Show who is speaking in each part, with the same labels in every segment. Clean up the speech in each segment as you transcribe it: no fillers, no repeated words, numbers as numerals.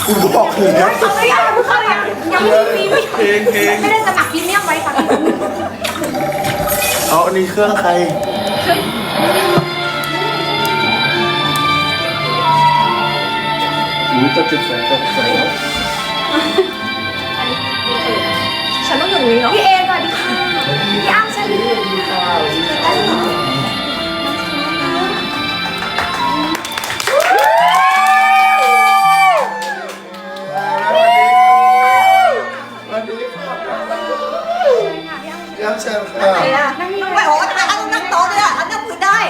Speaker 1: กูบอกเลยนะ
Speaker 2: เขาไม่ยังไม่ได้สมัครพรีเมียมไว้ค่ะ
Speaker 1: เอาอันนี้เครื่องใครจะจุดไฟตกใส่แล้ว
Speaker 2: ฉันต้องอยู่นี้เนาะพี่เอสวัสดีค่ะพี่อ้ำฉันได้เหรอ
Speaker 1: ยังเชิญค่ะ
Speaker 3: อะไรอ่ะไม่โอ้นั่งโต๊ะด้วยอ่ะนั่งพื้นได้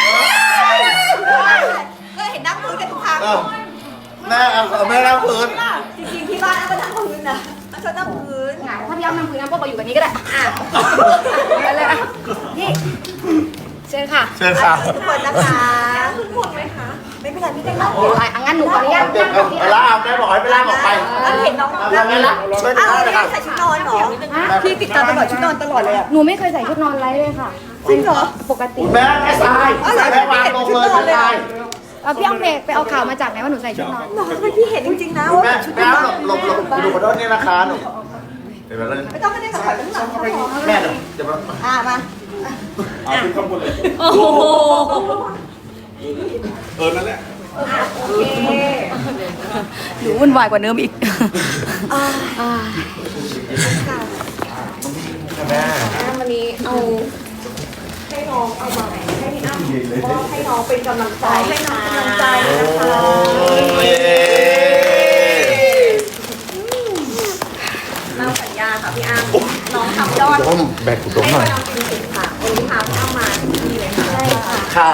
Speaker 3: ก็เห็นนั่งพื้นกันทุกครั้ง
Speaker 1: แม่เอาแม่นั่งพื้น
Speaker 3: จริงๆที่บ้านก็นั่งพื้นนะชอบนั่งพื้น
Speaker 2: ถ้าพี่อ้ำนั่งคุยน้ำพวกเราอยู่แบบนี้ก็ได้ไปเลยอ่ะพี่เชิญค่ะ
Speaker 1: เชิญค่ะ
Speaker 3: ทุกคนนะคะทุกคนไหมคะไม่เป็นไรไม่เป็นไร
Speaker 2: งั้นหนูขออนุญาตนั่งกับพี่
Speaker 1: เอาล่ามแม่บอกให้ไปล่ามออกไป
Speaker 3: เห็นน้อง
Speaker 1: เอางั้นละช่วย
Speaker 3: อ้าว
Speaker 1: ได้เลยค่ะ
Speaker 3: ใส่ชุดนอนเหรอพี่ติดตามตลอดชุดนอนตลอดเลยอ่ะ
Speaker 2: หนูไม่เคยใส่ชุดนอนไร้เลยค่ะ
Speaker 3: จริงเหรอ
Speaker 2: ปกติ
Speaker 1: แม่แม่ทรายแม่วางลงเลยทราย
Speaker 2: พี่อ้ำไปเอาข่าวมาจากไหนว่าหนูใส่ชุดนอน
Speaker 3: น้องทำไมพี่เห็นจริงๆนะว่า
Speaker 1: แม่
Speaker 3: ชุด
Speaker 1: แม่
Speaker 3: นอน
Speaker 1: หลบดูขอโทษนี่นะคะหนูเดี๋ยวมาเล่น
Speaker 3: ไม่ต้องไม่ได้สัมผัสข้างหลัง
Speaker 1: แม่เดี๋ยวมา
Speaker 3: มา
Speaker 1: เอาขึ้นข้างบนเลย
Speaker 3: โอ้โห
Speaker 1: นั่นแหละ
Speaker 2: หนูวุ่นวายกว่าเดิมอีก
Speaker 1: แม่
Speaker 2: วันนี้เอา
Speaker 3: ให้น้องเอามาให้พี่อ้ำก็ให้น้องเป็นกำลังใจให้น้องกำลังใจนะคะ เราสัญญาค่ะพี่อ้ำน้องทำยอด
Speaker 1: ต้มแบกกูต้มหน่อย
Speaker 3: น้องเป็นสิบค่ะวันนี้พาพี่อ้ำมาที่นี่เลยค่ะ
Speaker 1: ค่ะ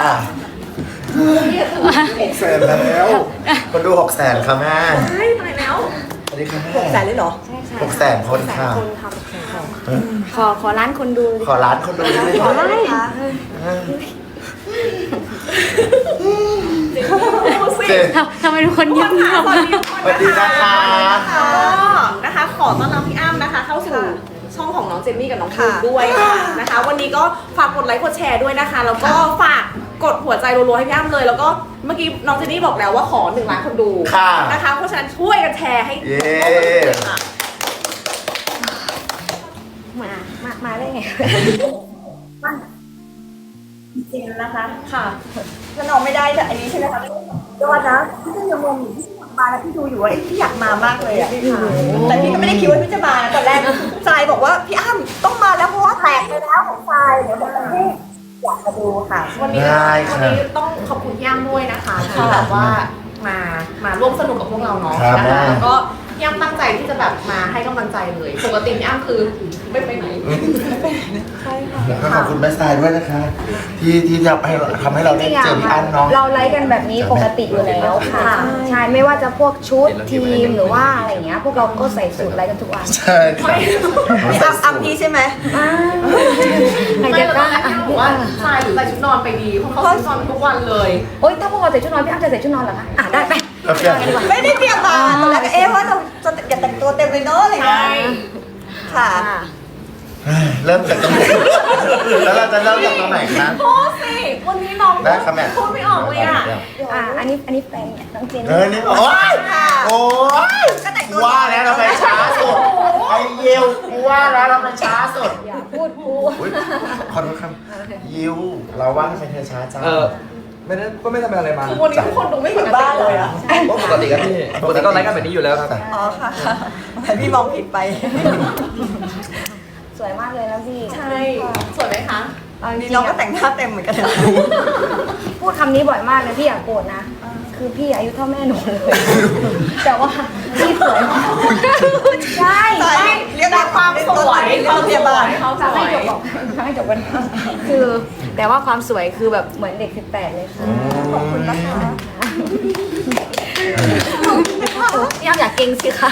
Speaker 1: 600,000แล้วคนดู600,000ค่ะแม่
Speaker 3: ใช่มาแล้ว
Speaker 1: สวัสดีค่ะแม่
Speaker 3: 600,000เลยเหรอ
Speaker 2: ใช่ค่ะ
Speaker 1: 600,000คนค่ะ
Speaker 2: ขอร้านคนดู
Speaker 1: ขอร้านคนดูได้ไหม
Speaker 3: ขอได้ไหมคะ
Speaker 1: เจ๊
Speaker 2: ทำไมทุกคนเงียบ
Speaker 3: สวัสดี
Speaker 1: สวัสดีนะคะ
Speaker 4: นะคะขอต้อนรับพี่อ้ำนะคะเข้าสู่ช่องของน้องเจนนี่กับน้องภูมิด้วยค่ะนะคะ วันนี้ก็ฝากกดไลค์กดแชร์ด้วยนะคะ แล้วก็ฝากกดหัวใจรัวๆให้พี่อ้ำเลย แล้วก็เมื่อกี้น้องเจนนี่บอกแล้วว่าขอ1 ล้านคนดู
Speaker 1: ค่ะ
Speaker 4: นะคะ เพราะฉะนั้นช่วยกันแชร์ให้
Speaker 1: เย้
Speaker 4: ค่ะ
Speaker 2: มาได้ไง
Speaker 3: จริงนะคะ
Speaker 4: ค่ะ
Speaker 3: ถ้าน้องไม่ได้แต่อันนี้ใช่ไหมคะยอดนะพี่ก็ยังงงอยู่พี่มาแล้วพี่ดูอยู่ว่าพี่อยากมามากเลยอ่ะแต่พี่ก็ไม่ได้คิดว่าพี่จะมานะตอนแรกทรายบอกว่าพี่อ้ำต้องมาแล้วเพราะว่าแตกไปแล้วของทรายเดี๋ยวบอกพี่อยากมาดูค่ะ
Speaker 4: วันนี้
Speaker 1: ได้ค่ะ
Speaker 4: วันนี้ต้องขอบคุณพี่อ้ำด้วยนะคะที่แบบว่ามาร่วมสนุกกับพวกเราเนาะ
Speaker 1: ครับ
Speaker 4: นะ
Speaker 1: แม่
Speaker 4: คะแล้วก็พี่อ้ำตั้งใจที่จะแบบมาให้กำลังใจเลยปกติพี่อ้ำคือไม่ไปไหน
Speaker 1: แล้วก็ขอบคุณแม่ทรายด้วยนะคะ ที่ทำให้เราได้เจอพี่อันเนาะ
Speaker 2: เราไลฟ์กันแบบนี้ปกติอยู่แล้วค่ะ ใช่ไม่ว่าจะพวกชุดทีมหรือว่าอะไรอย่างเงี้ยพวกเราก็ใส่สูทไลฟ์กันทุกวัน
Speaker 1: ใช่ค่ะ
Speaker 3: พี่อ้ำพี่ใช่ไหม
Speaker 2: ใคร
Speaker 4: ไม่
Speaker 2: จะ
Speaker 4: แล้ว
Speaker 2: ก
Speaker 4: ก็
Speaker 2: ล้า
Speaker 4: ให้พี่อ้ำบอกว่าทรายหรือใส่ชุดนอนไปดีเพราะเขาใส่ชุดนอนทุกวันเลย
Speaker 2: โอ๊ยถ้าพวกเราใส่ชุดนอนพี่อ้ำจะใส่ชุดนอนเหรอคะได้ไป
Speaker 1: โอเค
Speaker 3: ไม่ได้เตรียมมาตอนแรกก็ว่าเราจะอย่าแต่งตัวเต็มเลยเนาะอะไรอย่างเงี้ยค่ะ
Speaker 1: เริ่มจากตรงไหนแล้วเราจะเริ่มจากตรงไหนคะ
Speaker 4: โพสสิวันนี้น้อง
Speaker 1: ได้ค่ะแม่
Speaker 4: พูดไม่ออกเลยอ่ะ
Speaker 2: อันนี้แฟนน้องเจน
Speaker 1: นี่โอ๊ยโอ๊ย
Speaker 3: ก็แต่งตัว
Speaker 1: ว่าแล้วเราไปช้าสุดไอเยวว่าแล้วเราไปช้าสุด
Speaker 2: อย่าพูดกู
Speaker 1: อุ๊ยขอโทษครับยิวเราว่าทำไมเธอช้าจัง
Speaker 5: ไม่ได้ก็ไม่ทำอะไรมา
Speaker 4: คือวันนี้ทุกคนดูไม่
Speaker 3: เห
Speaker 4: เห
Speaker 3: มื
Speaker 4: มื
Speaker 3: อ
Speaker 4: อน น
Speaker 3: บ้านเลยอ่ะ
Speaker 5: ก็ปกติครับพี่ปกติก็ไลฟ์กันแบบนี้อยู่แล้วครับ
Speaker 3: อ๋อค่ะแต่พี่มองผิดไป
Speaker 2: สวยมากเลยนะพี่
Speaker 4: ใช่สวยไหมคะ
Speaker 2: เอาจริ
Speaker 3: นี่
Speaker 2: ง
Speaker 3: น้องก็
Speaker 2: ๆ
Speaker 3: แต่งหน้าเต็มเหมือนกันนะ
Speaker 2: พูดคำนี้บ่อยมากเลยพี่อย่าโกรธนะ คือพี่อายุเท่าแม่หนูเลย แต่ว่าพี่สวยมากใช่
Speaker 3: ใช่เรียก
Speaker 4: แต่ความสวย
Speaker 3: เขาเรียกบ้าน
Speaker 4: เขาส
Speaker 2: จะ
Speaker 4: ว
Speaker 2: ให้
Speaker 4: ย
Speaker 2: จบบอกให้จบกันคือแต่ว่าความสวยคือแบบเหมือนเด็ก18เลยค่ะ
Speaker 3: ขอบคุณนะคะ
Speaker 2: ย่าอยากเก่งสิคะ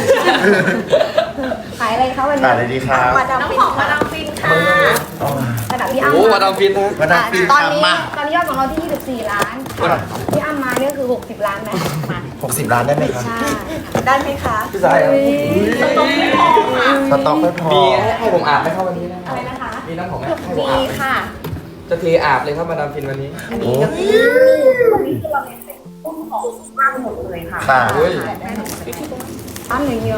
Speaker 2: ขายอะไรคะวัน
Speaker 1: ถ่า
Speaker 2: นี้
Speaker 1: ยเลยดีครับ
Speaker 3: มาดาม
Speaker 4: น้ำ
Speaker 3: ฟิ
Speaker 4: ห
Speaker 3: น
Speaker 4: อมมาดามฟินค่ะ
Speaker 2: ระดับพี่อ้ำ
Speaker 5: โอ้มาดามฟินนะ
Speaker 1: มาดามฟิน
Speaker 2: ตอน
Speaker 1: ทำ
Speaker 2: นี้
Speaker 1: มา
Speaker 2: ตอนนี้ยอดของเราที่ 24 ล้านพี่อ้ำมาเนี่ยคือ60 ล้านไหมมา
Speaker 1: 60 ล้านได้ไหมครับ
Speaker 2: ใช่
Speaker 3: ได้ไหมคะ
Speaker 5: พี่สายครับ
Speaker 4: ต้องไม่พอค่ะ
Speaker 1: สต็อกไม่พอ
Speaker 5: มีให้ผมอาบไหมครับวันนี้นะ
Speaker 4: อะไรนะคะ
Speaker 5: มีน้ำของให้ผม
Speaker 4: มี
Speaker 5: อาบไหม
Speaker 4: ค่ะ
Speaker 5: จะเทอาบเลยครับมาดามฟินวันนี้
Speaker 3: อันนี้ก็มีวันนี้คือเราเน้นเป็นต้นของบ้านหมดเลยค่ะ
Speaker 1: ค่ะ
Speaker 5: เฮ้ย
Speaker 2: อันอย่างเดียว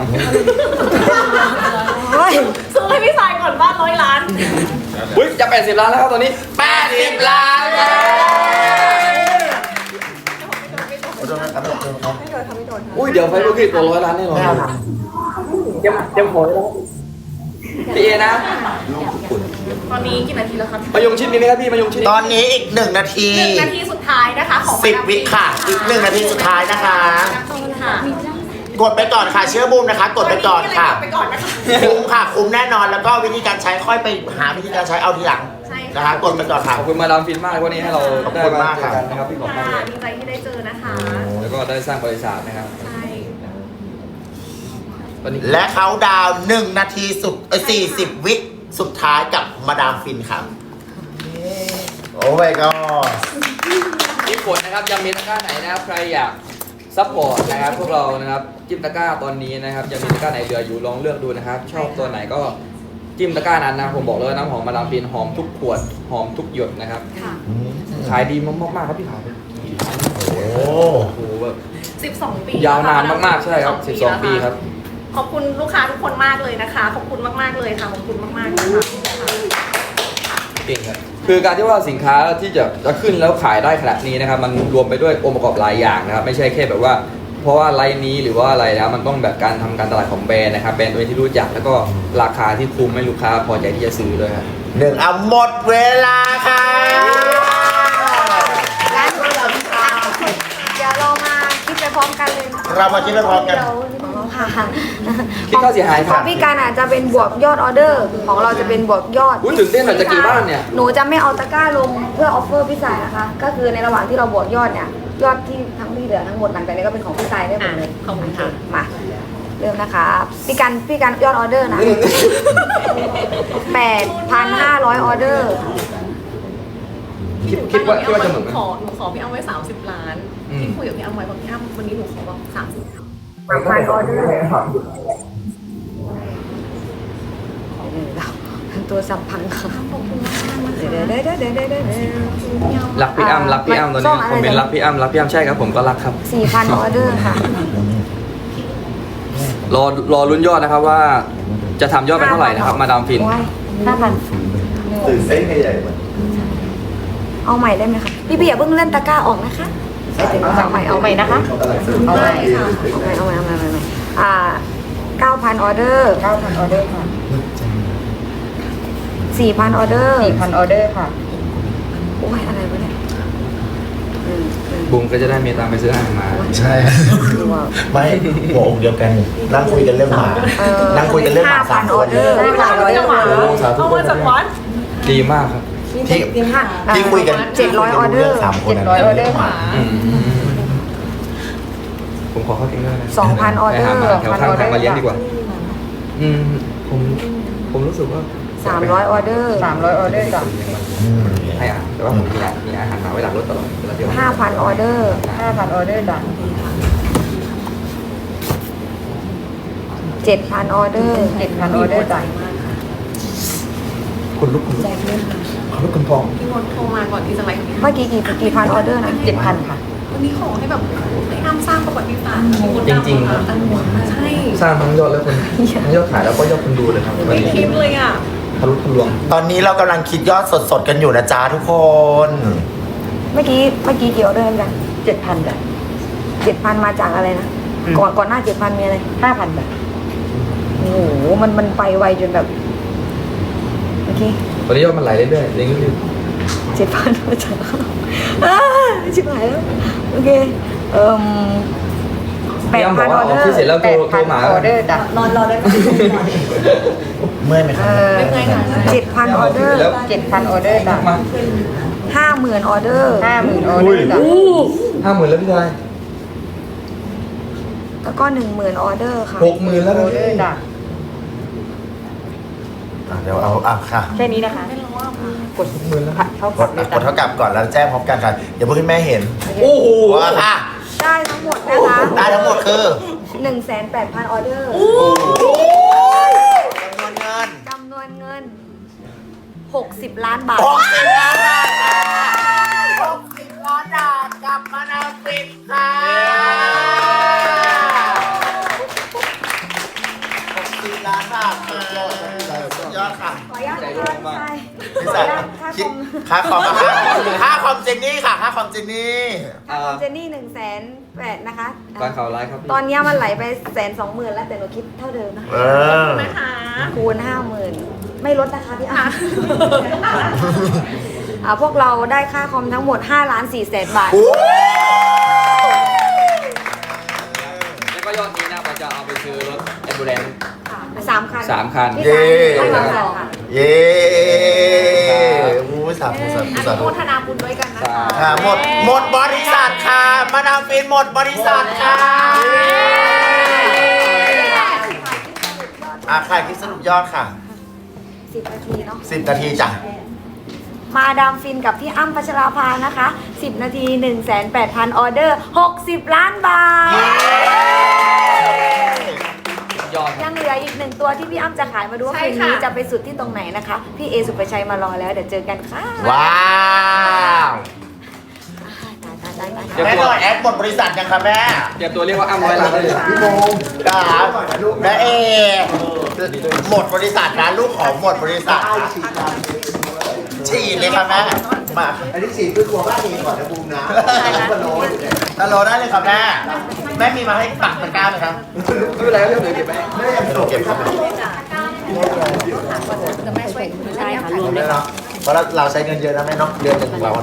Speaker 2: เฮ้ย
Speaker 4: ซื้อให้พี่สายก่อนบ้าน100 ล้าน
Speaker 5: อุ้ยจะ80 ล้านแล้วครับตอนนี้ 80 ล้านแล้ว อุ้ยเดี๋ยวไฟลูกพี่ตัว100 ล้านแน่นอนเตรียมหัวไว้แล้วพี่เอนะ
Speaker 4: ตอนนี้กี่นาทีแล้วครับ
Speaker 5: มายงชิดมีไหมครับพี่มายงชิด
Speaker 1: ตอนนี้อีก1 นาที
Speaker 4: 1 นาทีสุดท้ายนะคะของ
Speaker 1: 10 วิค่ะ อีก1 นาทีสุดท้ายนะคะ
Speaker 4: ค่ะ
Speaker 1: กดไปก่อนค่ะ เชื่อบูมนะคะ กดไปก่อนค่ะ
Speaker 4: กดไปก่อนนะคะ
Speaker 1: คุ้มค่ะ คุ้มแน่นอน แล้วก็วิธีการใช้ค่อยไปหาวิธีการใช้เอาทีหลัง
Speaker 4: ใช่ค่ะ
Speaker 1: นะคะ กดไปก่อนค่ะ
Speaker 5: ขอบคุณมาดามฟินมากวันนี้ให้เรา
Speaker 1: ขอบ
Speaker 5: ได้
Speaker 1: คุณ
Speaker 5: มาม
Speaker 1: าก
Speaker 5: เจ
Speaker 1: ครั
Speaker 5: อบ กันนะครับพี่ขอบคุณ
Speaker 4: ค่ะ
Speaker 5: มาก
Speaker 4: ดีใจที่ได้เจอนะคะ
Speaker 5: แล้วก็ได้สร้างบริษัทนะครับ
Speaker 4: ใช่
Speaker 5: ตอนนี้
Speaker 1: และเขาดาวน์1 นาทีสุด40 วิสุดท้ายกับมาดามฟินครับ โอ้ my god
Speaker 5: พี่ฝนนะครับยังมีตะกร้าไหนนะครับใครอยากซัพพอร์ตนะครับพวกเรานะครับจิ้มตะกร้าตอนนี้นะครับยังมีตะกร้าไหนเหลืออยู่ลองเลือกดูนะครับ ชอบตัวไหนก็จิ้มตะกร้านั้นนะผมบอกเลยว่าน้ำหอมมาดามฟินหอมทุกขวดหอมทุกหยดนะครับ
Speaker 4: ค่ะ
Speaker 5: ขายดีมากๆครับพี่ขายไป
Speaker 1: โอ้
Speaker 5: โอ้โหแบบ
Speaker 4: 12 ปี
Speaker 5: ยาวนานมากๆใช่ครับ12 ปีครับ
Speaker 4: ขอบคุณลูกค้าทุกคนมากเลยนะคะ ขอบคุณมากๆเลยค่ะ ขอบคุณมากๆเลยค่ะ
Speaker 5: เก่งครับคือการที่ว่าสินค้าที่จะขึ้นแล้วขายได้ขนาดนี้นะครับมันรวมไปด้วยองค์ประกอบหลายอย่างนะครับไม่ใช่แค่แบบว่า เพราะว่าไลน์นี้หรือว่าอะไรนะมันต้องแบบการทำการตลาดของแบรนด์นะครับแบรนด์ตัวที่รู้จักแล้วก็ราคาที่คุ้มให้ลูกค้าพอใจที่จะซื้อด้วยครับ
Speaker 1: 1เอาหมดเวลาค่ะ
Speaker 2: เดี๋ยวเรามาคิดไปพร้อมกันเลย
Speaker 1: เรามาคิดไปพร้อมกัน
Speaker 2: ค่ะ
Speaker 5: คิดค่าเสียหาย
Speaker 2: ข
Speaker 5: ค
Speaker 2: อ
Speaker 5: รั
Speaker 2: ง
Speaker 5: บ
Speaker 2: พี่การอาจจะเป็นบวกยอดออเดอร์ ของเราจะเป็นบวกยอด
Speaker 5: อุ้ยตื่นเต้นหน่อยจะกี่บ้านเนี่ย
Speaker 2: หนูจะไม่เอาตะกร้าลงเพื่อออฟเฟอร์พี่สายนะคะ ก็คือในระหว่างที่เราบวกยอดเนี่ย ยอดที่ทั้งที่เหลือทั้งหมดหลังจากนี้ก็เป็นของพี่สายได้หมดเลย
Speaker 4: ขอบคุณค่ะ
Speaker 2: มาเริ่มนะคะพี่การยอดออเดอร์นะ 8,500 ออเดอร์
Speaker 5: คิดว่าจะเหมือนไหม
Speaker 4: หนูขอพี่อ้ำไว้30 ล้าน
Speaker 5: อืม
Speaker 4: ที่คุยกับพี่อ้ำไว้บอกพี่อ้ำวันนี้หนูขอแบบ30
Speaker 2: 3,000 ออเดอร์ตัวสับพังค่ะเดี๋ยว
Speaker 5: รักพี่อ้ำรักพี่อ้ำตอนนี้คอมเมนต์รักพี่อ้ำรักพี่อ้ำใช่ครับผมก็รักครับ
Speaker 2: 4,000 ออเดอร์ค่ะ
Speaker 5: รอลุ้นยอดนะครับว่าจะทำยอดไปเท่าไหร่นะครับมาดามฟิน
Speaker 2: 5,000
Speaker 1: ตื่นเต้นใหญ่ๆเหมือน
Speaker 2: เอาใหม่ได้ไหมคะพี่อย่าเพิ่งเล่นตะกร้าออกนะคะเอาใหม่นะคะ
Speaker 3: เอาไปค่ะ
Speaker 2: เอาใหม่9,000 ออเดอร์
Speaker 3: 9,000 ออเดอร์ค่ะ
Speaker 2: 4,000 ออเดอร์
Speaker 3: 4,000 ออเดอร์ค่ะ
Speaker 2: โอ้ยอะไรวะเนี่ย
Speaker 5: บุ้มก็จะได้มีตังค์ไปซื้ออาหารมา
Speaker 1: ใช่ ไม่หัวอกเดียวกันนั่งคุยกันเรื่องหมานั่งคุยกันเรื่องหมาสาม
Speaker 2: 5,000
Speaker 1: ค
Speaker 2: ออน เดอร์
Speaker 4: 5,000 ออเดอร์หมา
Speaker 5: โอ้สาธุ
Speaker 4: เอามาจากวัด
Speaker 5: ดีมากครับ
Speaker 1: ที่คุยกัน
Speaker 2: 700 ออเดอร์
Speaker 1: 3 คน
Speaker 3: 700 ออเดอร์ค่ะ
Speaker 5: อืมผมขอเข้าทิ้งด้วยนะ
Speaker 2: 2,000 ออเดอร์
Speaker 5: ไปหาหมาแถวข้างทางมาเลี้ยงดีกว่า อืมผมรู้สึกว่า
Speaker 2: 300 ออเดอร์
Speaker 3: 300 ออเดอร์จ้ะ
Speaker 5: ให้อาหารแต่ว่าผมมีอาหารหมาไว้หลังรถตลอดเวลาเดียว
Speaker 2: 5,000 ออเดอร์
Speaker 3: 5,000 ออเดอร์จ้ะ
Speaker 2: 7,000 ออเดอร์
Speaker 3: 7,000 ออเดอร์จ้ะ
Speaker 5: คุณลุกคุณลุกคุณพอง
Speaker 4: พี่มนต์โทรมาก่อนที่จะไลฟ์
Speaker 2: เมื่อกี้กี่พันออเดอร์นะ
Speaker 3: 7,000 ค่ะ
Speaker 4: วันนี้ขอให้แบบให้อ้ำสร้างประวัติศาสตร์
Speaker 5: จริงๆครับ
Speaker 4: ใช่
Speaker 5: สร้างทั้งยอดและคนทั้งยอดขายแล้วก็ยอดคนดูเลยครับวัน
Speaker 4: ไม่
Speaker 5: นี้
Speaker 4: คิดเลยอ่ะ
Speaker 5: ทะลุทะลวง
Speaker 1: ตอนนี้เรากำลังคิดยอดสดๆกันอยู่นะจ๊ะทุกคน
Speaker 2: เมื่อกี้กี่ออเดอร์กัน
Speaker 3: 7,000 จ้ะ
Speaker 2: 7,000 มาจากอะไรนะ ก่อนหน้า 7,000 มีอะไร
Speaker 3: 5,000 จ้ะ
Speaker 2: โอ้โห มันไปไวจนแบบเมื่อกี้
Speaker 5: ตอนนี้ยอดมันไหลเรื่อยๆเรื่อย
Speaker 2: 7,000 มาจากชิบหายแล้ว โอเค
Speaker 5: ๆพี่อ้ำบอก
Speaker 2: 8,000
Speaker 5: ว่า
Speaker 2: ออ
Speaker 5: อ
Speaker 2: เด
Speaker 5: อ
Speaker 2: อก
Speaker 5: ที่เสร็จ
Speaker 2: ร์
Speaker 5: แล้วโทรหมา
Speaker 3: ออเดอร์จ้ะ
Speaker 4: รอได้ไหม
Speaker 1: เมื่อยไหมครับ
Speaker 2: 7,000 ออเดอร์
Speaker 3: 7,000 ออเดอร์จ้ะ
Speaker 5: มา
Speaker 2: 50,000 ออเดอร์
Speaker 3: 50,000 ออเดอร์จ้ะ
Speaker 5: 50,000แล้วพี่ชาย
Speaker 2: แล้วก็ 10,000 ออเดอร์ค่ะ
Speaker 5: 60,000แล้ว
Speaker 3: อ
Speaker 5: นะ
Speaker 3: อเดอร์จ้ะ
Speaker 1: เดี๋ยวเอาค่ะ
Speaker 3: แค่นี้นะคะ กด
Speaker 5: 60,000แล้ว
Speaker 3: เท่าก กั
Speaker 1: ด
Speaker 3: บเลย
Speaker 1: ก
Speaker 3: จ้ะ
Speaker 1: ดเท่ากับก่อนแล้วแจ้งพร้อมกันค่ะเดี๋ยวเพื่อนแม่เห็น
Speaker 5: โอ้โห
Speaker 1: ว่าค่ะ
Speaker 2: ได้ทั้งหมดนะคะ
Speaker 1: ได้ทั้งหมดคือ
Speaker 2: 1,800,000 ออเดอร์
Speaker 1: จำนวนเงิน
Speaker 2: จำนวนเงิน 60 ล้านบาท
Speaker 1: 60 ล้านบาทค่ะ60 ล้านบาทกับมานาฟินค่ะคิดค่าคอมค่าคอมเจนนี่ค่ะค่าคอมเจนนี่
Speaker 2: ค่าคอมเจนนี่180,000นะคะ
Speaker 5: การข่าวไลฟ์ครับพี่
Speaker 2: ตอนนี้มันไหลไป120,000แล้วแต่หนูคิดเท่าเดิมนะ
Speaker 1: เออ
Speaker 4: นะคะ
Speaker 2: คูณ50,000ไม่ลดนะคะพี่อ้ำพวกเราได้ค่าคอมทั้งหมด5,400,000 บาท
Speaker 1: โอ้
Speaker 5: แล้วก็ยอดนี้นะผมจะเอาไปซื้อรถแอมบูเลนซ์
Speaker 2: 3 คัน
Speaker 5: 3 คัน
Speaker 2: พี่ชายให้มาสองค่ะ
Speaker 1: เย้มูสาธุสาธุ
Speaker 4: อ
Speaker 1: สา
Speaker 4: นุ
Speaker 1: ธุ
Speaker 4: โมทนาบุญด้วยกันนะคะ
Speaker 1: ค่ะหมดบริษัทค่ะมาดามฟินหมดบริษัทค่ะขายคลิปสรุปยอดค่ะ
Speaker 2: 10 นาทีเนาะ
Speaker 1: 10 นาทีจ้ะ
Speaker 2: มาดามฟินกับพี่อ้ำพัชราภานะคะ 10 นาที 1,800,000 ออเดอร์ 60 ล้านบาท
Speaker 5: ยอด
Speaker 2: ยังเหลืออีก1ตัวที่พี่อ้ำจะขายมาดูว่า
Speaker 4: ใช่
Speaker 2: คืน
Speaker 4: ค่ะ
Speaker 2: นี้จะไปสุดที่ตรงไหนนะคะ พี่เอสุปชัยมารอแล้วเดี๋ยวเจอกันค่ะ
Speaker 1: ว้าว
Speaker 2: ตาย
Speaker 1: แม่หน่อยแอดหมดบริษัทยังคะแม่
Speaker 5: เตรียมตัวเรียกว่าอ้ำร้อยล้านได้เลย
Speaker 1: พี่โมครับแม่เอหมดบริษัทนะลูกของหมดบริษัทนะฉีดเลยค่ะแม่มา
Speaker 6: อันนี้4คือครัวบ้านเองก่อนนะบูมนะมันโน้ต
Speaker 1: ตลอดได้เลยครับแม่แม่มีมาให้ตักตะกร้าไหมครับ
Speaker 5: ไม่เป็นไรครับเดี๋ยวเก็บไว้
Speaker 6: ไม่ได้ยัง
Speaker 1: เก็บครับ
Speaker 2: ใช่ค่ะ
Speaker 1: ได้แล้วเพราะเราใช้เงินเยอะนะแม่เนาะเดือนหนึ่งของเรา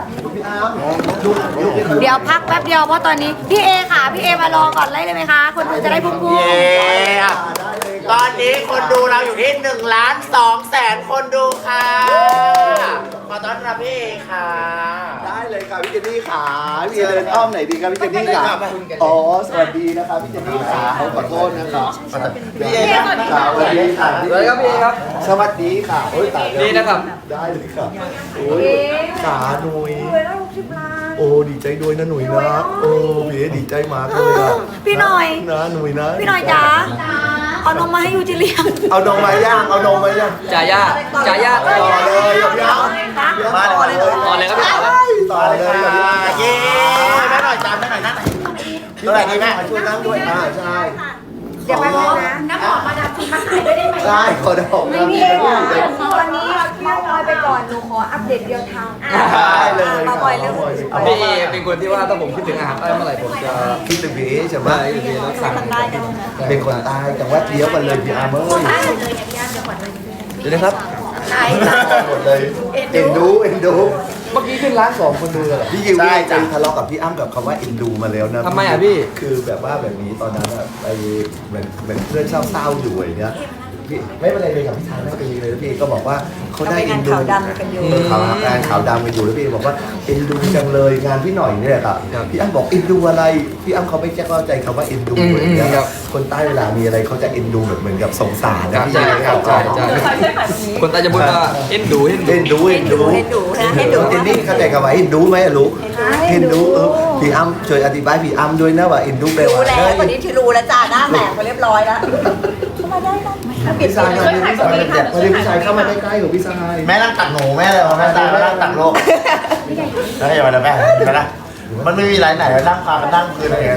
Speaker 2: เดี๋ยวพักแป๊บเดียวเพราะตอนนี้พี่เอค่ะพี่เอมารอก่อนเลยไหมคะ คนดูจะได้พุ่ง
Speaker 1: เย้ตอนนี้คนดูเราอยู่ที่1,200,000 คนดูค่ะขอต้อนรับพี่เอค่ะ
Speaker 6: ได้เลยค่ะพี่เจนนี่ขาพี่เดินอ้อมไหนดีครับพี่เจนนี่ขาอ๋อสวัสดีนะครับพี่เจนนี่ขาขอโทษนะครับ
Speaker 1: พี่เอครับ
Speaker 6: สวัสดีค่ะ
Speaker 5: สวัสดีครับพี่ครับ
Speaker 6: สวัสดีค่ะโอ้ยตายแล้ว
Speaker 5: นี่นะครับ
Speaker 6: ได้เลยค่ะโอ้ยขาหนุย
Speaker 2: ๆรวยแล้ว60 ล้าน
Speaker 6: โอ้ดีใจด้วยนะหนุยนะโอ้พี่ดีใจมากเลยอะ
Speaker 2: พี่หน่อย
Speaker 6: นะหนุยนะ
Speaker 2: พี่หน่อยจ๋าเอานมมาให้ยูจิเลียง
Speaker 6: เอานมมาย่างเอานมมาย่าง
Speaker 5: จ่ายา
Speaker 6: ต่อเลยกับย่าง
Speaker 1: มาเลย
Speaker 5: ต่อเลยครับพี่ต่อเลย
Speaker 6: ต่อ
Speaker 1: มาเล
Speaker 6: เลย ยกับย่าง
Speaker 1: ค่ะเย้แม่หน่อยจานแม่หน่อยนั่งเท่าไหร่ดีแม่
Speaker 6: ช่วยนั่งด้วยใช่
Speaker 2: เดี๋ยวแป๊บนึงนะ
Speaker 3: น้ำหอมมาดามฟินมาขายด้วยได้ไหม
Speaker 6: ใช่ขอดอก
Speaker 2: ไม่พี่เอค่ะตอนนี้เมาส์มอยไปก่อนหนูขออัปเดตเดียวทาง
Speaker 6: ได้เลย
Speaker 2: มาบ่อยเร็ว
Speaker 5: พี่เอเป็นคนที่ว่าถ้าผมคิดถึงอาหารใต้เมื่อไหร่ผมจะ
Speaker 6: คิดถึงพี่ใช่ไหม
Speaker 5: ได้พี่แล้วสั่ง
Speaker 6: เป็นคนใต้จังหวัดเดียวกันเลยพี่อาร์เมอร์
Speaker 5: เดี๋ยวนะครับ
Speaker 6: หมดเลยเอ็นดูเอ็นดูเมื่อกี้ขึ้นร้าน2คนดูเลยเหรอพี่ยิวนี่ไปทะเลาะกับพี่อ้ำกับคำว่าเอ็นดูมาแล้วนะ
Speaker 5: ทำไมอ่ะพี่
Speaker 6: คือแบบว่าแบบนี้ตอนนั้นอะไปเหมือนเพื่อนเศร้าๆอยู่อย่างเงี้ยพี่ไม่เป็นไรเลยกับพี่ชายไม่เป็นไรเลยแล้วพี่ก็บอกว่าเขาได้เอ็นดูข่าวดำกันอยู่งานขาวดำกันอยู่แล้วพี่บอกว่าเอ็นดูจังเลยงานพี่หน่อยเนี่ยครับพี่อ้ำบอกเอ็นดูอะไรพี่อ้ำเขาไม่แจ้เข้าใจคำว่าเอ็นดูอย่างเงี้ยคนใต้เวลามีอะไรเขาจะเอ็นดูแบบเหมือนกับสงสารนะพี่
Speaker 5: ใช่ครับใช่ใช่คนใต้จะพูดว่าเอ็นดูเอ็นดู
Speaker 6: เอ็นดูเอ็นดูเอ็นดูนะเอ็นดูเจนนี่เข้าใจคำว่าเอ็นดูไหมอะลูกเอ็นดูพี่อ้ำช่วยอธิบายพี่อ้ำด้วยนะว่าเอ็นดูแปลว่า
Speaker 3: รู้แล้วตอนนี้ที่รู้แล้วจ้าหน้าแหลกไปเรียบร้อยแล้วมาได้ไหม
Speaker 6: พี่ชายมาพี่ชายมาพี่ชายเข้ามาใกล้ๆกับพี่ชาย
Speaker 1: แม่นั่งตักหนูแม่เลยแม่ตาแม่นั่งตักโลกแล้วอย่ามาเลยแม่เห็นไหมนะมันไม่มีไรไหนนั่งพากันนั่งคืนอะไรกัน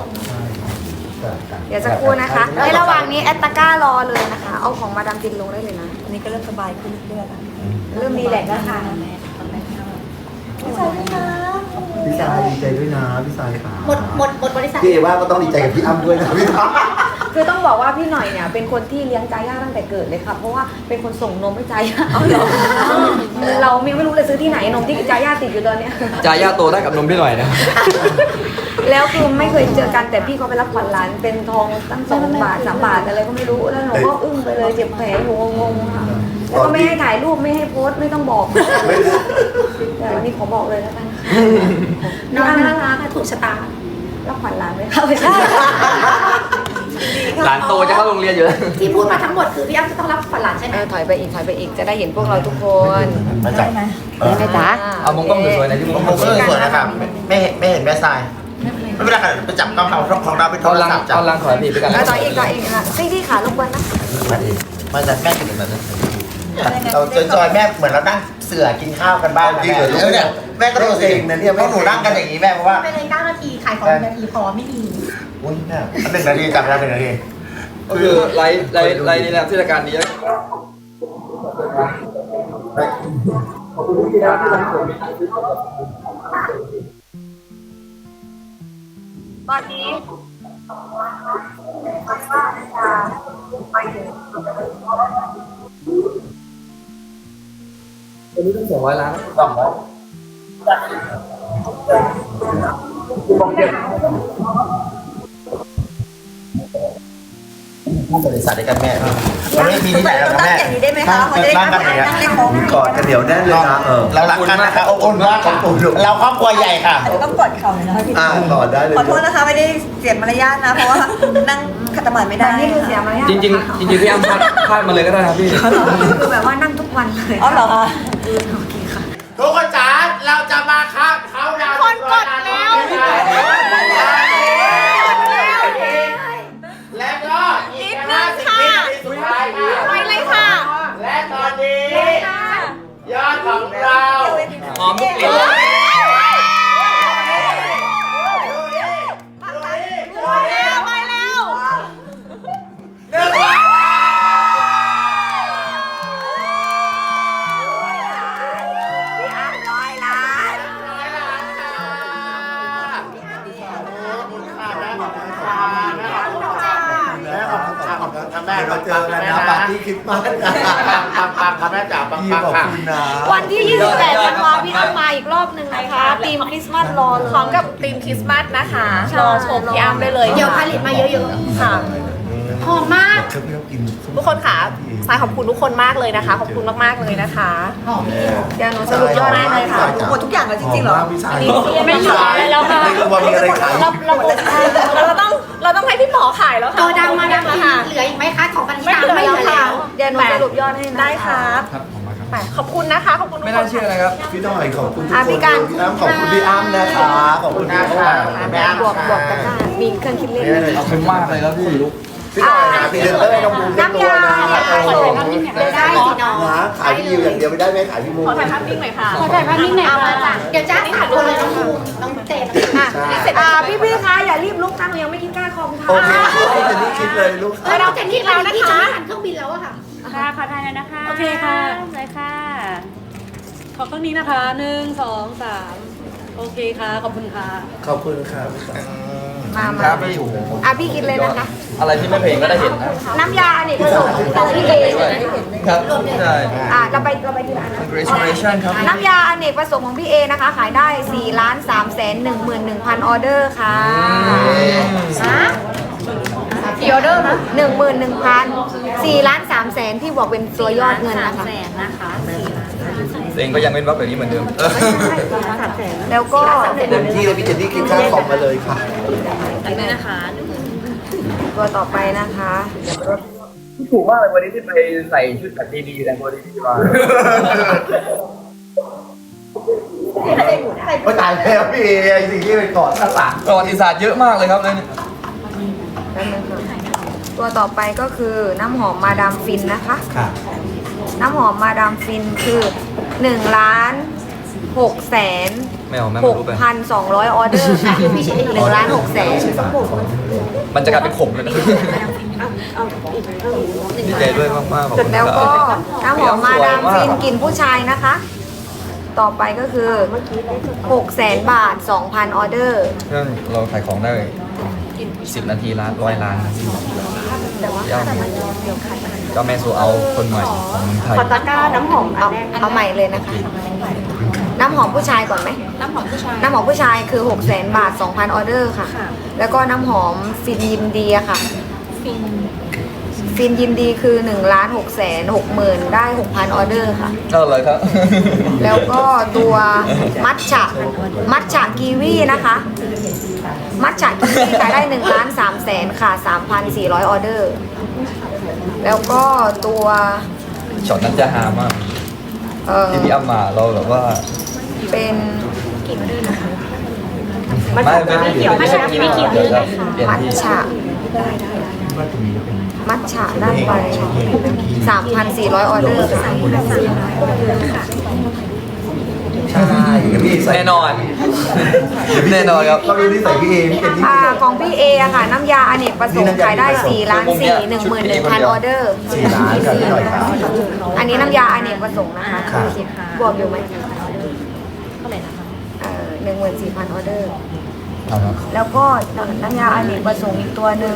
Speaker 2: เดี๋ยวสักครู่นะคะ ในระหว่างนี้แอตตาก้ารอเลยนะคะ เอาของมาดามฟินลงได้เลยนะ
Speaker 3: อันนี้ก็เริ่มสบายขึ้นเรื่อยๆแล้ว
Speaker 2: เริ่มรีแลกซ์แล้วค่ะ
Speaker 6: พี่ชายดีใจด้วยนะพี่ชายค่ะ
Speaker 3: หมดบริษัท
Speaker 6: พี่ว่าก็ต้องดีใจกับพี่อ้ำด้วยนะพี่ชาย
Speaker 2: คือต้องบอกว่าพี่หน่อยเนี่ยเป็นคนที่เลี้ยงจาย่าตั้งแต่เกิดเลยค่ะ เพราะว่าเป็นคนส่งนมให้จาย่าเอาเหรอเราไม่รู้เลยซื้อที่ไหนนมที่จาย่าติดอยู่ตอนเนี้ย
Speaker 5: จ่ายาโตได้กับนมพี่หน่อยนะ
Speaker 2: แล้วคือไม่เคยเจอกันแต่พี่เขาไปรับขวัญหลานเป็นทองตั้ง2 บาท 3 บาทอะไรก็ไม่รู้แล้วหนูก็อึ้งไปเลยเจ็บแผลอยู่งงๆค่ะแล้วก็ไม่ให้ถ่ายรูปไม่ให้โพสต์ไม่ต้องบอกแต่วันนี้ขอบอกเลยแล้วกัน
Speaker 3: น้องน่ารักถูกชะตา
Speaker 2: รับขวัญหลานไหมคะไม่ใช่
Speaker 5: หลานโตจะเข้าโรงเรียนอยู่แล้ว
Speaker 3: ที่พูดมาทั้งหมดคือพี่อ้ำจะต้องรับฝันหลานใช่ไหม
Speaker 2: ถอยไปอีกจะได้เห็นพวกเราทุกคน
Speaker 1: มาจับ
Speaker 2: ได้ไหมจ๊ะ
Speaker 5: เอามงกล้องสวยๆหน่อยที่มง
Speaker 1: ผม
Speaker 5: กล้อง
Speaker 1: ก็สวยนะครับไม่เห็นแม่ทรายไม่เป็นไรค่ะไปจับกล้องเขาของเราเป็นโท
Speaker 5: เอา
Speaker 1: ร
Speaker 5: ลัง
Speaker 1: ศัพท์จับ
Speaker 5: เอาลังถอยพี่ไปกัน
Speaker 2: ต่ออีกค่ะพี่ขารบกวนนะ
Speaker 1: มาจากแม่กินแบบนั้นเราจอยแม่เหมือนเรานั่งเสือกินข้าวกันบ้างจริงเหรอลูกเนี่ยแม่ก็ดูสินะเนี่ยพวกหนูนั่งกันอย่างนี้แม่เพราะว่า
Speaker 3: ไปเลย9 นาทีขายของ1 นาทีพอไม่มี
Speaker 1: อุ้ยเนี่ย1 นาทีจับเวลา1 นาที
Speaker 5: ก็คือไลฟ์นี้นะที่รายการนี้
Speaker 3: ตอนนี้
Speaker 5: วันนี้ต้อง200 ล้าน
Speaker 1: บริษัทด้วยกันแม่มันไม่มีที่ไหนหรอก
Speaker 3: ตั้ง
Speaker 1: แม่
Speaker 3: อย่างนี้ได้ไหมคะเขาจะได้
Speaker 1: นั่งกันอย่างเงี้ย
Speaker 3: นั่งเล่นโค้ง
Speaker 6: กอดกันเดี๋ยวแน่นเลยนะ
Speaker 1: เรารักกันนะคะอบอุ่นมากค่ะเราครอบครัวใหญ่ค่ะ
Speaker 3: อาจจะต้องกดเข่าหน่อยนะคะพี่
Speaker 6: กอดได้เลย
Speaker 3: ขอโทษนะคะไม่ได้เสียมารยาทนะเพราะว่านั่งขัดสมาธิไม่
Speaker 2: แต่
Speaker 3: ได้
Speaker 2: นี่คือเสียมารยาท
Speaker 5: จริงๆพี่อ้ำพลาดมาเลยก็ได้นะพี่
Speaker 2: คือแบบว่านั่งทุกวันเลย
Speaker 3: อ๋อเหรอคะ
Speaker 2: โอเคค่ะ
Speaker 1: ทุกคนจ๋าเราจะมาครับเขาดาวคนกดแล้วและก็อีก50 วินาทีสุดท้ายค่ะ
Speaker 4: ไปเลยค่ะ
Speaker 1: และตอนนี้ยอดของเรา
Speaker 5: หอมทุกกลิ่น
Speaker 4: ไปแล้ว
Speaker 2: พี่อ้ำ100 ล้าน
Speaker 1: แม่
Speaker 6: เราเจอกันนะปาร์ตี้คริสต์มาสนะ
Speaker 1: ปังค่ะแม่จ๋าปัง
Speaker 6: พี่
Speaker 1: ปัง
Speaker 6: ขอบ
Speaker 1: ค่ะ
Speaker 6: คุณนะ
Speaker 2: วันที่ 28 ธันวาพี่อ้ำมาอีกรอบหนึ่งนะคะทีมคริสต์มาสรอเลย
Speaker 4: พร้อมกับธีมคริสต์มาสนะคะ
Speaker 2: ใช่
Speaker 4: รอชมพี่อ้ำได้เลย
Speaker 2: เดี๋ยวผลิตมาเยอะๆค่ะหอมมาก
Speaker 4: ทุกคนค่ะสายขอบคุณทุกคนมากเลยนะคะ ขอบคุณมากๆเลยนะคะ
Speaker 2: เดี๋ยวหนูสรุปยอดให้เลยค่ะ
Speaker 3: หมดทุกอย่างแล้วจริงๆเหรอ
Speaker 2: ไม่เหลืออะไรแล้วค่ะ
Speaker 6: ไม่รู้ว่ามีอะไรขาย
Speaker 2: เราหมดแล้วค่ะ
Speaker 4: เราต้องให้พี่หมอขายแล้วค่ะ
Speaker 7: ตัวดำมาดำ
Speaker 4: ค่ะ
Speaker 7: เหลืออีกไหมคะของปันธิ
Speaker 4: ไม่
Speaker 7: ตา
Speaker 4: เหลือ
Speaker 7: ไม่เห
Speaker 4: แล้ว
Speaker 7: ลือ
Speaker 4: ค่ะ
Speaker 7: แล้ว
Speaker 2: เดี๋ยวหนูสรุปยอดให้นะะ
Speaker 4: ได้ครับขอบคุณนะคะขอบคุณทุก
Speaker 5: ไม่
Speaker 4: ค
Speaker 5: น่าน เชื่อนะครับ
Speaker 6: พี่ต้อยขอบคุณทุก
Speaker 2: อ่ะ
Speaker 6: คน
Speaker 2: พี่การ
Speaker 6: พี่อ้ำขอบคุณพี่อ้ำนะคะ ขอบคุณพี่อ้ำ
Speaker 1: แม่
Speaker 2: บวกกันได้มีเครื่องคิดเลข
Speaker 5: ขอบคุณมากเลยครับพี่
Speaker 6: พี่ต้อยนะพี่เดินเต้ยน้องบูมเป็นตัวนะ
Speaker 7: ได้สิน้อง
Speaker 6: นะขายพี่ยิวอย่างเดียวไม่ได้ไหมขายพี่บูม
Speaker 4: ขอถ่ายภาพนิ่งหน่อยค่ะ
Speaker 7: ขอถ่ายภาพนิ่งหน่อยค่ะเดี๋ยวจ้าถ่ายคนเลยน้องบูมน้องเต้น
Speaker 2: พี่คะอย่ารีบลุกนะหนูยังไม่กินก้าคอมค่ะ
Speaker 6: โอเคพี่จะนี่คิดเลยลูก
Speaker 7: แล้วน้องเจนนี่แล้วนะคะหันเครื่องบินแล้วอะค่ะ
Speaker 8: ค่ะขอถ่ายเลยนะคะ
Speaker 4: โอเคค่ะ
Speaker 8: เลยค่ะ ขอเครื่องนี้นะคะ 1 2 3 โอเคค่ะ ขอบคุณค่ะ
Speaker 6: ขอบคุณครับ
Speaker 2: มา
Speaker 5: ครับพี่โอ้โห
Speaker 2: พี่กินเลยนะคะ
Speaker 5: อะไรที่ไม่เพลงก็ได้เห็นนะ
Speaker 2: น้ำยาอเนกประสงค์ของพี่เอ
Speaker 5: ครับใช่
Speaker 2: เราไปทีละอันนะ
Speaker 5: congratulation ครับ
Speaker 2: น้ำยาอเนกประสงค์ของพี่เอนะคะ ขายได้ 4,311,000 ออเดอร์ค่ะกี่ออเดอร์นะ11,000 4,300,000ที่บอกเป็นตัวยอดเงินนะคะ
Speaker 5: เองก็ยังเป็นวักแบบนี้เหมือนเดิม
Speaker 2: แล้วก็
Speaker 6: เต็มที่เลยพี่เจนนี่คิดค่าคอมมาเลยค่ะ
Speaker 2: ตัวต่อไปนะคะ
Speaker 5: ถูกมากเลยวันนี้ที่ไปใส่ชุดแบบดีๆแต่วันนี้ที่มา
Speaker 6: ไม่ตายแล้วพี่ไอ้สิ่งที่ไปกอดข้างหลัง
Speaker 5: ประวัติศาสตร์เยอะมากเลยครับเนี่ย
Speaker 2: ตัวต่อไปก็คือน้ำหอมมาดามฟินนะคะ
Speaker 6: ค่ะ
Speaker 2: น้ำหอมมาดามฟินคือ1,600,000
Speaker 5: ไม่เอาแม่ไม่รู้ไป
Speaker 2: 6,200 ออเดอร์ค่ะ1,600,000
Speaker 5: มันจะกลายเป็นขมเลยนะดีใจด้วยมากๆขอบคุณ
Speaker 2: แล้ว
Speaker 5: ค
Speaker 2: ก็
Speaker 5: รับ
Speaker 2: น้ำหอมมาดามฟินกลิ่นผู้ชายนะคะ ต่อไปก็คือ 600,000 บาท 2,000 ออเดอร์
Speaker 5: เรื่องเราขายของได้10 นาทีล้าน100 ล้านนะพี่พี่อ้ำก็แม่โซเอาคนใหม่ของเมืองไทย
Speaker 2: ขอตะกร้าน้ำหอมเอาใหม่เลยนะคะ น้ำหอมผู้ชายก่อนไหม น้ำหอมผู้ชายคือ 600,000 บาท 2,000 ออเดอร์ค่ะ แล้วก็น้ำหอมฟินยินดีอะค่ะ ฟินยินดีคือ 1,660,000 ได้ 6,000 ออเดอร์ค่ะ
Speaker 5: ก็เลยครับ
Speaker 2: แล้วก็ตัวมัทฉะกีวีนะคะ มัทฉะกีวีขายได้1,300,000ค่ะ 3,400 ออเดอร์ แล้วก็ตัว
Speaker 5: ช็อตนั้นจะฮามากที่พี่อ้ำมาเราแบบว่า
Speaker 2: เป็นมัท
Speaker 5: ไม่เขียวไม่ใช่ไม่เขียวเลยค่ะ
Speaker 2: ฉะมัทฉะได้ไป 3,400 ออเดอร์ค่ะ
Speaker 6: ใช่เดี๋ยวพี่ใส่
Speaker 5: แน่นอนแน่นอนครับ
Speaker 6: เขาดูนิสัยพี่เอพี่เป็นที่
Speaker 2: ของพี่เออะค่ะ น้ำยาอเนกประสงค์ขายได้4 ล้าน 4 11,000 ออเดอร์
Speaker 6: 4 ล้านกับพี่หน่อยครับ
Speaker 2: อันนี้น้ำยาอเนกประสงค์นะคะ
Speaker 6: ค่ะ
Speaker 2: บวกอยู่ไหม
Speaker 7: เท่าไหร่นะคะ
Speaker 2: 14,000 ออเดอร์
Speaker 6: เอาละ
Speaker 2: แล้วก็น้ำยาอเนกประสงค์อีกตัวหนึ่ง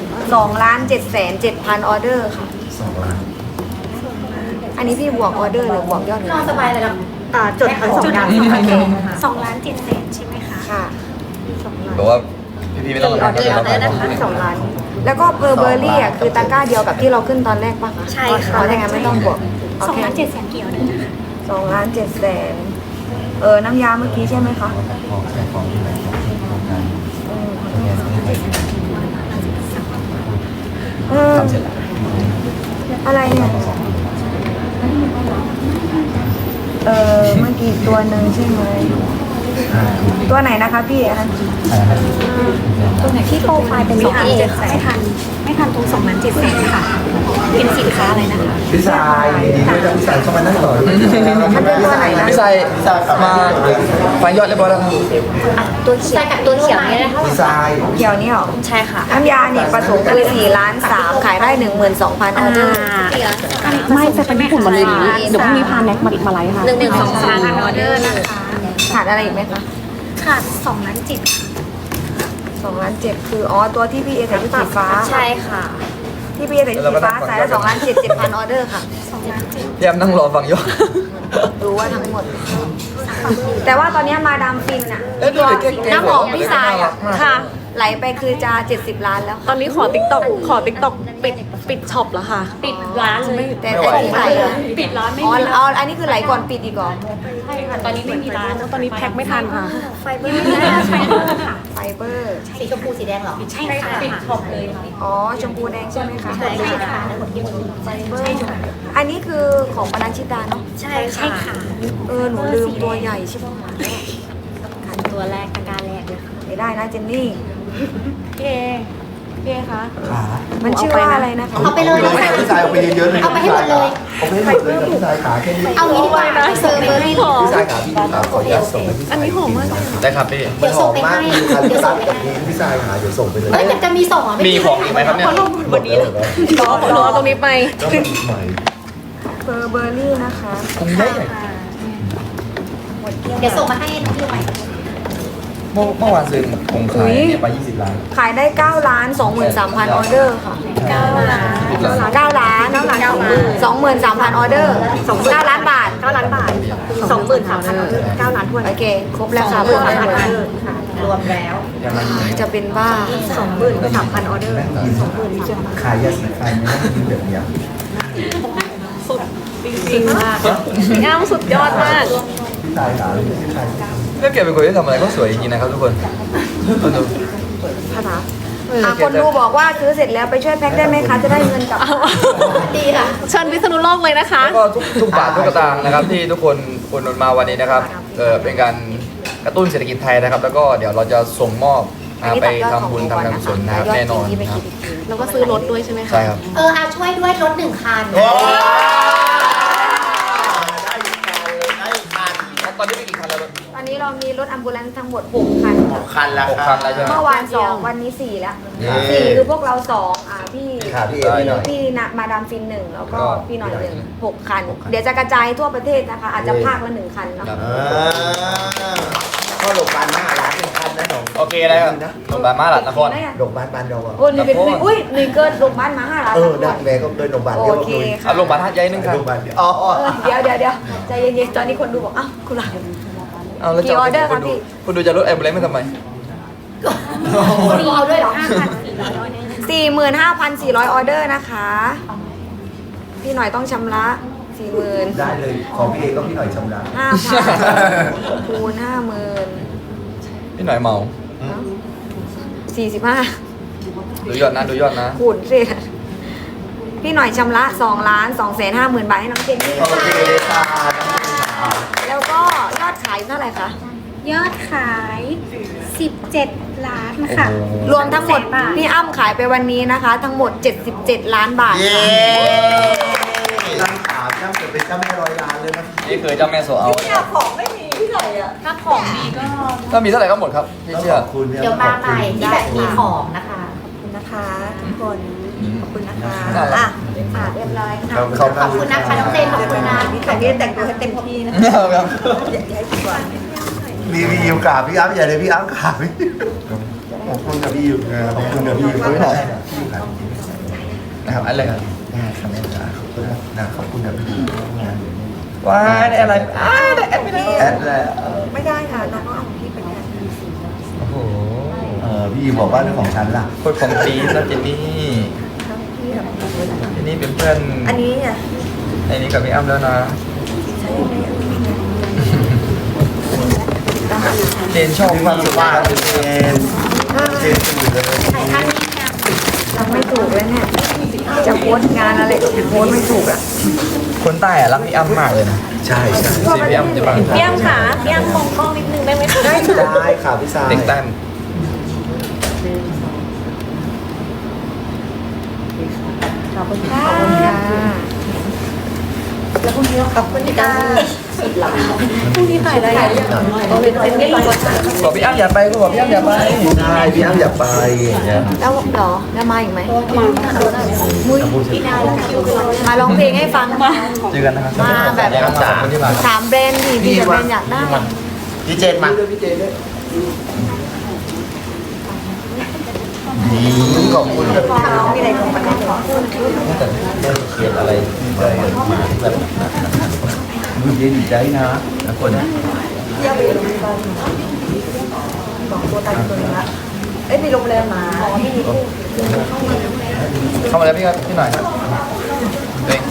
Speaker 2: 2,707,000 ออเดอร์ค่ะ
Speaker 6: 2 ล้าน
Speaker 2: อันนี้พี่บวกออเดอร์หรือบวกยอด
Speaker 7: นอนสบายเลยนะ
Speaker 3: จดทั้งสองอย่าง
Speaker 7: 2,700,000ใช่ไหมคะ
Speaker 2: ค่ะ
Speaker 5: บอกว่าพี่ๆไม่ต้องทำงานก็ได้
Speaker 2: 2 ล้าน แล้วก็เพอร์เบอร์รี่อ่ะคือตะกร้าเดียวกับที่เราขึ้นตอนแรกปะ
Speaker 7: ใช่ค่ะ
Speaker 2: เพราะงั้นไม่ต้องบวกโอเค
Speaker 7: 2,700,000เกี่ยวเลยนะคะ
Speaker 2: 2,700,000น้ำยาเมื่อกี้ใช่ไหมคะ
Speaker 6: ของแค่ของที่ไหนของที่โครงการ ทำเสร็จแล้ว
Speaker 2: อะไรเนี่ยเมื่อกี้ตัวหนึ่งใช่ไหมตัวไหนนะคะพี่อันนั้น
Speaker 7: ตัวไหนที่โปรไฟล์เป็น2,700,000ไม่ทันตรง2,700,000ค่ะ เป็นสินค้าอะไรนะคะ
Speaker 6: พี่ชายดีด้วยจ้ะพี่ชายเข้ามานั่งต่อด้วย
Speaker 2: มันเป็นตัวไหนนะ
Speaker 5: พี่ชายมาฟังยอดเรียบร้อยแล้วครับ
Speaker 7: ตัวเขียวกับตัวเขียวเนี่ยนะคะ
Speaker 6: พี่ชาย
Speaker 2: เกี่ยวนี่หรอ
Speaker 7: ใช่ค่ะ
Speaker 2: น้ำยาเนี่ยประสงค์คือ4 ล้าน 3ขายได้ 12,000 ออเดอร์
Speaker 8: ไม่จะเป็นญี่ปุ่นหมดเลยอย่างนี้เดี๋ยวพรุ่งนี้พาแน็กมาไลฟ์ค่ะ
Speaker 7: 1,200,000 ออเดอร์นะคะ
Speaker 2: ขาดอะไรอีกไหมคะ
Speaker 7: ขาด2,700,000
Speaker 2: 2,700,000คือตัวที่พี่เอใส่ชุดสีฟ้า
Speaker 7: ใช่ค่ะ
Speaker 2: ที่พี่เอใส่ชุดสีฟ้าใส่ได้2,700,000 ออเดอร์ค่ะ
Speaker 5: พี่แอมนั่งรอฟังยอด
Speaker 2: รู้ว่าทั้งหมด แต่ว่าตอนนี้มาดามฟินอะ
Speaker 5: เอ้ยดูดิแกะ
Speaker 2: น้ำหอมพี่ทรายอะ
Speaker 4: ค่ะ
Speaker 2: ไหลไปคือจะ70 ล้านแล้ว
Speaker 4: ตอนนี้ขอติ๊กต็อกปิดช็อปแล้วค่ะ
Speaker 7: ปิดร้านเลย
Speaker 2: แต่ที่ไหลอะ
Speaker 7: ปิดร้านไม่
Speaker 2: อ๋อ
Speaker 7: มี
Speaker 2: เอาอันนี้คือไหลก่อนปิดอีกเหรอ
Speaker 7: ใช่ค่ะตอนนี้ไม่มีร้าน
Speaker 4: ตอนนี้แพ็คไม่ทันค่ะ
Speaker 7: ไฟเบอร์ไฟเบอร์ค่ะ
Speaker 2: ไฟเบอร์
Speaker 7: สีชมพูสีแดงเหรอ ใช่ค่ะปิดช็อปเลยค่ะ
Speaker 2: อ๋อชมพูแดงใช่ไหมคะ
Speaker 7: ใช่ค่ะ
Speaker 2: ไฟเบอร์อันนี้คือของปนัญชิตาเนาะ
Speaker 7: ใช่ค่ะ
Speaker 2: หนูลืมตัวใหญ่ใช่ไหม
Speaker 7: ตัวแรกตะกร้าแรกเลยค่ะ
Speaker 2: ไม่ได้นะเจนนี่
Speaker 4: พี่เอคะ
Speaker 6: ขา
Speaker 2: มันชื่อว่าอะไรนะคะ
Speaker 7: เอาไปเลย
Speaker 6: พี่ชายเอาไปเยอะๆเลย
Speaker 7: เอาไปให้หมดเลย
Speaker 6: เอาไปให้หมดเลยพี่ชายขาแค่นี้
Speaker 7: เอางี้ดีกว่าเซอร์เบอร์รี่
Speaker 6: พี่ชายขาพี่ขาขออนุญาตส่งให้พี่ชาย
Speaker 4: อันนี้หอมมาก
Speaker 5: ได้ครับพี่
Speaker 6: มันหอมมากมีคันตัดกับนี้พี่ชายขาเดี๋ยวส่งไปเลย
Speaker 7: เอ้ยแต่จะมีส่งเหรอ
Speaker 5: มีของอีกไหมครับเนี่ย
Speaker 6: หมดแล้วเหรอ
Speaker 4: รอตรงนี้ไป
Speaker 6: ก็มันใหม่
Speaker 2: เฟอร์เบอร์รี่นะคะ
Speaker 6: คงได้
Speaker 7: เดี๋ยวส่งมาให้น้องพี่ใหม่
Speaker 5: เมื่อวานซื้อผมขายเนี่ยไป20 ล้าน
Speaker 2: ขายได้ 9,23,000 ออเดอร์ค่ะ
Speaker 5: 10 ล้าน
Speaker 2: 9 ล้าน23,000 ออเดอร์9 ล้านบาท
Speaker 3: 9 ล้านบาท 23,000 9 ล้านทวน
Speaker 2: โอเค ครบแล้วค่ะเพื่อนได้หมด
Speaker 3: รวมแล้ว
Speaker 2: จะเป็นบ้า
Speaker 3: 23,000 ออเดอร์
Speaker 6: ขายยาสีฟันไม่ต้องกินแบบเนี้ย
Speaker 4: จริงมากพี่อ้ำสุดยอดมาก
Speaker 6: พี่ชายขาพี่ชาย
Speaker 5: ก็แกเป็นคนที่ทำอะไรก็สวยจริงๆนะครับทุกคนคนดู
Speaker 2: คนดูบอกว่าซื้อเสร็จแล้วไปช่วยแพ็คได้ไหมคะ จะได้เงินกลับ
Speaker 7: ดีค่ะ
Speaker 4: เชิญพิษณุโลกเลยนะคะ
Speaker 5: แล้วก็ทุกบาททุกสตางค์นะครับที่ทุกคนอุดหนุนมาวันนี้นะครับเป็นการกระตุ้นเศรษฐกิจไทยนะครับ แล้วก็เดี๋ยวเราจะส่งมอบไปทำบุญทำการกุศลนะครับแน่นอนนะครับ
Speaker 4: แล้วก็ซื้อรถด้วยใช่ไหมคะ
Speaker 5: ใช่ครับ
Speaker 7: ช่วยด้วยรถ1 คัน
Speaker 5: ตอนนี้มีกี่คันแล้ว
Speaker 2: ตอนนี้เรามีรถอัมบูเลนซ์ทั้งหมด6 คันค่ะ
Speaker 1: คันละ
Speaker 5: 6 คันแล้วใช่ไหม
Speaker 2: เมื่อวาน2วันนี้4แล้ว
Speaker 6: เย้
Speaker 2: 4คือพวกเรา2พี่
Speaker 6: ขาพี่เอพี่หน่อย
Speaker 2: พี่นะมาดามฟิน1แล้วก็พี่หน่อย1 6 คัน เดี๋ยวจะกระจายทั่วประเทศนะคะ อาจจะภาคละ1 คันเนาะ
Speaker 6: ก็หลบบ้านหน้าร้านเป็นคันนะหนอง
Speaker 5: โอเคแล้วโรงพยาบาลมาหลัดนคร
Speaker 6: หลบบ้านบ้านเราอ่ะ
Speaker 2: โอ้ยนี่เป็นอุ้ยนี่เกินลงบ้านมา5 ล้าน
Speaker 6: ได้แม่ก็เดินหลบบ้าน
Speaker 2: โอ
Speaker 6: เดียว
Speaker 2: เค
Speaker 6: เลย
Speaker 2: ค่ะ
Speaker 5: เอาโรงพยาบาลท่าใหญ่นึงครับ
Speaker 6: หลบบ้านอ๋อ
Speaker 2: เดี๋ยวใจเย็นๆตอนนี้คนดูบอกอ้าวคุณหลาน
Speaker 5: เอาแล้ว
Speaker 2: กี่ออเดอร์ครับพี่
Speaker 5: คุณดูจะลดแอมบูเลนซ์ไม่ทำไม
Speaker 7: มีเอาด้วยเหรอ
Speaker 2: 45,400 ออเดอร์นะคะ พี่หน่อยต้องชำระ 40,000
Speaker 6: ได้เลยของพี่เอก็พี่หน่อยชำระ
Speaker 2: 5,000 คูณ 50,000
Speaker 5: พี่หน่อยเมา
Speaker 2: 45
Speaker 5: ดูยอดนะดูยอดนะ
Speaker 2: คูณสิพี่หน่อยชำระ2,250,000 บาทให้น้องเจนนี่
Speaker 6: โอเคค่ะ
Speaker 2: แล้วก็ยอดขายเท่าไหร่คะ
Speaker 7: ยอดขาย17 ล้านค่ะ
Speaker 2: รวมทั้งหมดพี่อ้ำขายไปวันนี้นะคะ ทั้งหมด77 ล้านบาท
Speaker 1: เย้
Speaker 6: ตั้งขาตั้งเกิดเป็นเจ้าแม่ร้อยล้านเลยนะ
Speaker 5: นี่คือเจ้าแม่โซเอา
Speaker 3: ของไม่มีที่ไหนอ่ะ
Speaker 8: ถ้าของดีก็
Speaker 5: ถ้ามีเท่าไหร่ก็หมดครับพี่เชื่อ
Speaker 6: ขอบคุณนี่
Speaker 7: เดี๋ยวมาใหม่ที่แบบมีของนะคะ
Speaker 3: ขอบคุณนะคะทุกคน ขอบคุณนะคะ
Speaker 5: น่ารัก
Speaker 3: อ่ะ
Speaker 7: ค่ะเรียบร้อยค่ะ
Speaker 6: ขอบ
Speaker 7: ขอบคุณนะคะน้องเจนขอบคุณนะ
Speaker 3: พี่แต่งนี่แต่งตัวให้เต็มที่นะ
Speaker 5: ครับ
Speaker 3: อย่าให้ผิดหวัง
Speaker 6: มีพี่ยิวกราบพี่อ้ำอย่าเลยพี่อ้ำกราบพี่ขอบคุณกับพี่ยิวขอบคุณกับพี่ยิวด้วยนะ
Speaker 5: นะครับอะไรครับ
Speaker 6: ขอบคุณนะขอบคุณกับพี่ยิว
Speaker 5: ว้ายได้อะไรได้แอปไม่ได้
Speaker 6: แอดแล้ว
Speaker 3: ไม่ได้ค่ะน้องก็เอาของพี่ไปแทน
Speaker 5: โอ้โห
Speaker 6: พี่ยิวบอกว่าเรื่องของฉันล่ะ
Speaker 5: โคตรของปีนะเจนนี่
Speaker 3: ทั้งพี่กับ
Speaker 5: เจนนี่เป็นเพื่อน
Speaker 3: อันนี้อ่ะ
Speaker 5: ในนี้กับพี่อ้ำแล้วนะ
Speaker 3: ใช่ไหม
Speaker 5: เจนชอบ
Speaker 6: มีความสุขมากเจนเจนตื่นเลย
Speaker 2: ทำไม่ถูกเลยเนี่ยจะโพสต์งานอะไรก็โพสต์ไม่ถูกอ่ะ
Speaker 5: คนใต้อะรักพี่อ้ำมากเลยนะ
Speaker 6: ใช่ใช่
Speaker 5: ซีพี่อ้ำจะบัง
Speaker 4: พี่อ้ำค่ะพี่อ้ำมองกล้องนิดนึงได้ไหมคะ
Speaker 6: ได้ค่ะพี่สาย
Speaker 5: เด็กใต้
Speaker 2: ขอบคุณค่ะ
Speaker 3: แล้วพรุ่งนี้ขอบคุณค่ะ
Speaker 4: พรุ่งนี้ถ่ายอะไรอย่างเงี้ย
Speaker 3: เอาเป็นเจนนี่
Speaker 5: บอกพี่อ้ำอย่าไปก็บอกพี่อ้ำอย่าไป
Speaker 6: ใช่พี่อ้ำอยากไปอย่างเงี้ย
Speaker 2: แล้วเหรอแล้วมาอีกไหมมุ้ยมาร้องเพลงให้ฟัง
Speaker 5: เจอกันนะครับ
Speaker 2: มาแบบ
Speaker 5: ขอบคุณที่มา
Speaker 2: ถามแบรนด์ดิพี่กับแบรนด์อยากได้
Speaker 1: พี่เจนมา
Speaker 6: พี่เจด้วยนี่ขอบคุณกับพี่
Speaker 3: น้องมีอะไรของมันขอ
Speaker 6: เขียนอะไรได้มาแบบดูเย็นใจนะทุกคน
Speaker 3: เที่ยวไปโรงแรมบอกตัวตายตัวนึงละเอ้ยมีโรงแรมมาอ๋อมี
Speaker 5: เข้ามาแล้วพี่ครับพี่หน่อยครับเด็ก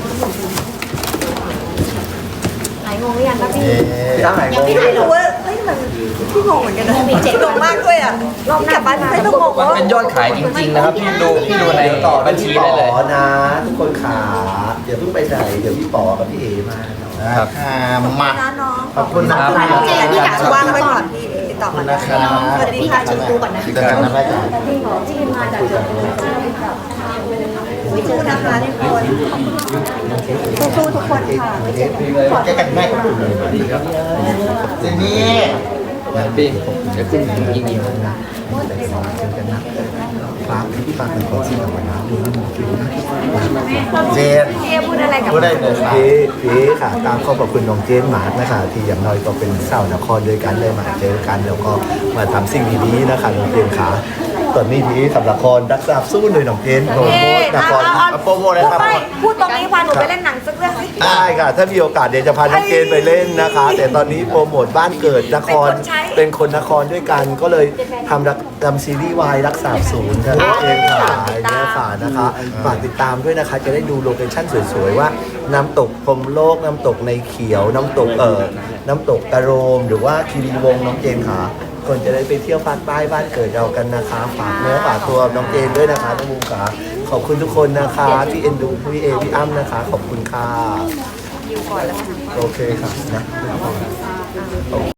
Speaker 2: หายงงหรือยังครับพี่
Speaker 6: พี่อ้ำไหน
Speaker 7: ยังไม่
Speaker 3: พี่
Speaker 7: ถ่าย
Speaker 3: ไม่
Speaker 7: หรอ
Speaker 3: รู้ว่าเฮ้ยมันพี่งงเหมือนกันนะมีงงมากด้วยอ่ะรอบกลับบ้านไม่ต้องงง
Speaker 5: มัน
Speaker 3: ว่า
Speaker 5: เป็นยอดขายจริงๆนะครับพี่ดูใน
Speaker 6: ต่อ
Speaker 5: บัญชีได้เลย
Speaker 6: นะ ทุกคนขาเดี๋ยวเพิ่งไปไหนเดี๋ยวพี่ป๋อกับพี่เอมา
Speaker 5: ครับ
Speaker 1: มา
Speaker 3: น้อง
Speaker 6: ขอบคุณนะ
Speaker 3: เจนที่อยากจะว่างไปก่อนพี่ติดต่อมาได้สวัสดีค่ะชมพูก่อนนะ
Speaker 1: เจอกันนะแม่จ๋า
Speaker 2: พี่ขอที่มาจากจุดนี้
Speaker 3: สู้นะคะทุกคนสู้ทุกคนค่ะ
Speaker 1: เจอกันแม่ก็ดูเลยเจนนี่
Speaker 5: พี่เดี๋ยวขึ้นยิง
Speaker 6: ฝากพี่ฝากเป็นคนที่ทำงาน
Speaker 1: เจน
Speaker 2: พี่พูดอะไรกับ
Speaker 1: พูดได้เลยค่ะ
Speaker 6: พี่ค่ะ ตามข้อขอบคุณน้องเจนหมาร์กนะคะที่อย่างน้อยก็เป็นสาวนครด้วยกันได้มาเจอกันแล้วก็มาทำสิ่งดีๆนะคะน้องเจนขาตอนนี้พี่ทำละครรักษาสู้เลยน้องเจนโปรโมทละคร
Speaker 1: โปรโมทเลยครับ
Speaker 2: พูดตรงนี้พาหนูไปเล่นหนังสักเรื่องสิ
Speaker 6: ได้ค่ะ ถ้ามีโอกาสเดี๋ยวจะพาน้องเจนไปเล่นนะคะ แต่ตอนนี้โปรโมทบ้านเกิดนครเป็นคนนครด้วยกันก็เลยทำซีรีส์วายรักษาศูนย์ค่ะน้องเจนค่ะเนี่ยค่ะนะคะฝากติดตามด้วยนะคะ จะได้ดูโลเคชั่นสวยๆว่าน้ำตกพรหมโลกน้ำตกในเขียวน้ำตกน้ำตกตะโรม หรือว่าคีรีวงศ์น้องเจนค่ะคนจะได้ไปเที่ยวภาคใต้บ้านเกิดเรากันนะคะฝากเนื้อฝากตัวน้องเจนด้วยนะคะน้องบูมค่ะขอบคุณทุกคนนะคะที่เอ็นดูพี่เอพี่อ้ำนะคะ ขอบคุณค่ะโอเคค่ะนะ